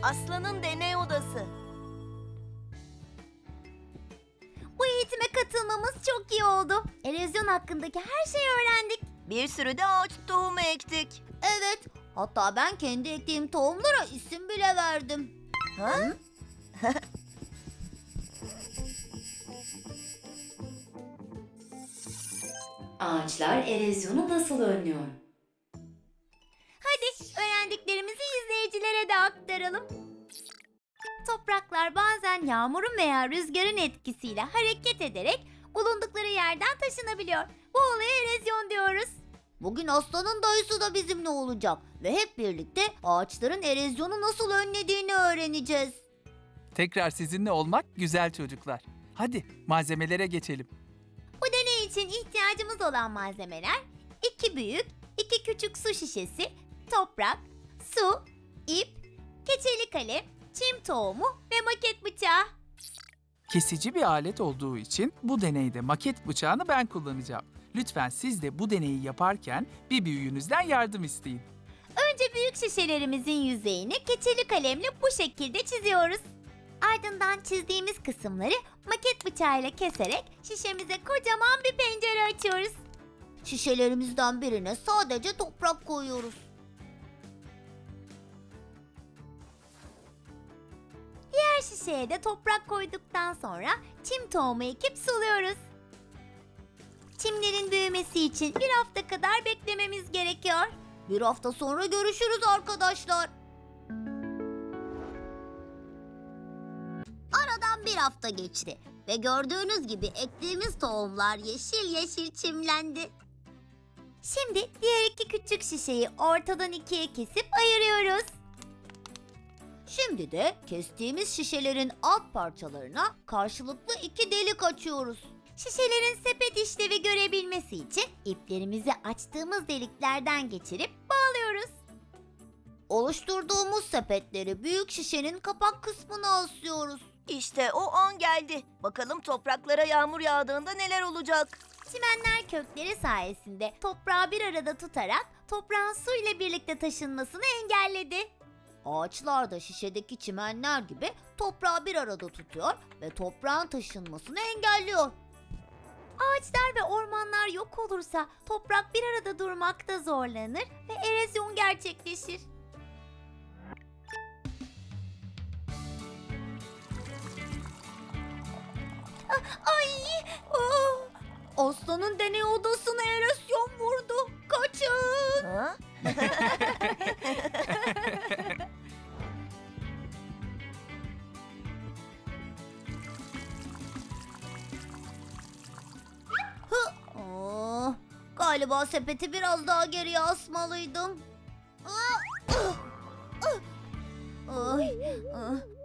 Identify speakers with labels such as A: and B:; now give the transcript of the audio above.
A: Aslan'ın deney odası.
B: Bu eğitime katılmamız çok iyi oldu. Erozyon hakkındaki her şeyi öğrendik.
A: Bir sürü de ağaç tohumu ektik.
B: Evet, hatta ben kendi ektiğim tohumlara isim bile verdim.
A: Ha?
C: Ağaçlar erozyonu nasıl önlüyor?
B: Hadi öğrendiklerimizi izleyicilere de aktaralım. Topraklar bazen yağmurun veya rüzgarın etkisiyle hareket ederek bulundukları yerden taşınabiliyor. Bu olaya erozyon diyoruz. Bugün Aslan'ın dayısı da bizimle olacak ve hep birlikte ağaçların erozyonu nasıl önlediğini öğreneceğiz.
D: Tekrar sizinle olmak güzel çocuklar. Hadi malzemelere geçelim.
B: Bu deney için ihtiyacımız olan malzemeler 2 büyük, 2 küçük su şişesi, toprak, su, ip, keçeli kalem, çim tohumu ve maket bıçağı.
D: Kesici bir alet olduğu için bu deneyde maket bıçağını ben kullanacağım. Lütfen siz de bu deneyi yaparken bir büyüğünüzden yardım isteyin.
B: Önce büyük şişelerimizin yüzeyini keçeli kalemle bu şekilde çiziyoruz. Ardından çizdiğimiz kısımları maket bıçağıyla keserek şişemize kocaman bir pencere açıyoruz. Şişelerimizden birine sadece toprak koyuyoruz. Diğer şişeye de toprak koyduktan sonra çim tohumu ekip suluyoruz. Çimlerin büyümesi için bir hafta kadar beklememiz gerekiyor. Bir hafta sonra görüşürüz arkadaşlar. Aradan bir hafta geçti ve gördüğünüz gibi ektiğimiz tohumlar yeşil yeşil çimlendi. Şimdi diğer 2 küçük şişeyi ortadan 2'ye kesip ayırıyoruz. Şimdi de kestiğimiz şişelerin alt parçalarına karşılıklı 2 delik açıyoruz. Şişelerin sepet işlevi görebilmesi için iplerimizi açtığımız deliklerden geçirip bağlıyoruz. Oluşturduğumuz sepetleri büyük şişenin kapak kısmına asıyoruz.
A: İşte o an geldi. Bakalım topraklara yağmur yağdığında neler olacak?
B: Çimenler kökleri sayesinde toprağı bir arada tutarak toprağın su ile birlikte taşınmasını engelledi. Ağaçlar da şişedeki çimenler gibi toprağı bir arada tutuyor ve toprağın taşınmasını engelliyor. Ağaçlar ve ormanlar yok olursa toprak bir arada durmakta zorlanır ve erozyon gerçekleşir. Ay! Aslanın deney odasına erozyon vurdu. Kaçın!
A: Ha?
B: Galiba sepeti biraz daha geriye asmalıydım. Ay,